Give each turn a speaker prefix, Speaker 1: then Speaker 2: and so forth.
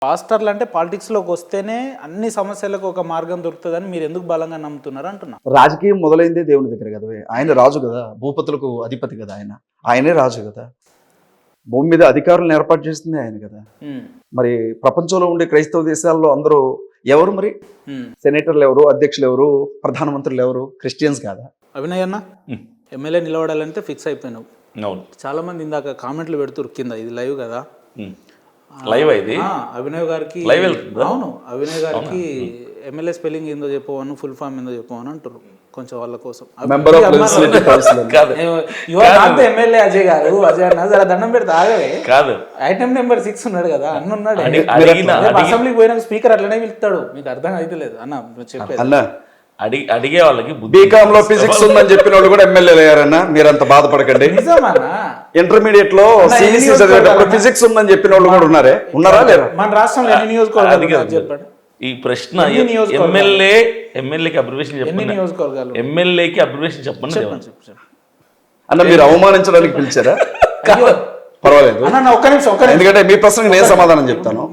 Speaker 1: పాస్టర్లు అంటే పాలిటిక్స్లోకి వస్తేనే అన్ని సమస్యలకు ఒక మార్గం దొరుకుతుందని మీరు ఎందుకు బలంగా నమ్ముతున్నారు అంటున్నా.
Speaker 2: రాజకీయం మొదలైందే దేవుని దగ్గర కదా. ఆయన రాజు కదా, భూపతులకు అధిపతి కదా, ఆయనే రాజు కదా. భూమి మీద అధికారులను ఏర్పాటు చేస్తుంది ఆయన కదా. మరి ప్రపంచంలో ఉండే క్రైస్తవ దేశాల్లో అందరూ ఎవరు మరి? సెనేటర్లు ఎవరు, అధ్యక్షులు ఎవరు, ప్రధానమంత్రులు ఎవరు? క్రిస్టియన్స్ కాదా?
Speaker 1: అభినయ్ అన్న ఎమ్మెల్యే నిలబడాలంటే ఫిక్స్ అయిపోయినావు. చాలా మంది ఇందాక కామెంట్లు పెడుతురు కింద, ఇది లైవ్ కదా,
Speaker 3: లైవ్ ఇది
Speaker 1: అభినయ్ గారికి. అవును, అభినయ్ గారికి ఎమ్మెల్యే స్పెల్లింగ్ ఏందో చెప్పవను, ఫుల్ ఫామ్ ఏందో చెప్పవను అంటారు కొంచెం వాళ్ళ కోసం. ఎమ్మెల్యే అజయ్ గారు, అజయ్ అన్న జర దండం పెడితే ఆగవే.
Speaker 3: కాదు,
Speaker 1: ఐటమ్ నెంబర్ 6 ఉన్నాడు కదా అన్న, ఉన్నాడు అసెంబ్లీకి పోయినాక స్పీకర్ అట్లనే పిలుస్తాడు. మీకు అర్థం అయితే లేదు అన్న చెప్పేది.
Speaker 3: అడిగే వాళ్ళకి
Speaker 2: బీకామ్ లో ఫిజిక్స్ ఉందని చెప్పిన వాళ్ళు కూడా ఎమ్మెల్యేలు అయ్యారన్నా, మీరంత బాధపడకండి. ఇంటర్మీడియట్ లో సిఈసి చదివేటప్పుడు ఫిజిక్స్ ఉందని చెప్పిన వాళ్ళు కూడా ఉన్నారా లేరా?
Speaker 1: మన రాష్ట్రంలో ఎన్ని నియోజకవర్గాలు చెప్పండి.
Speaker 3: ఈ ప్రశ్న ఎమ్మెల్యేకి అబ్రివేషన్ చెప్పండి, ఎమ్మెల్యేకి అబ్రివేషన్ చెప్పండి
Speaker 2: అన్న. మీరు అవమానించడానికి పిలిచారా? పర్వాలేదు,
Speaker 1: ఒక్క నిమిషం,
Speaker 2: ఎందుకంటే మీ ప్రశ్నకి నేను సమాధానం చెప్తాను.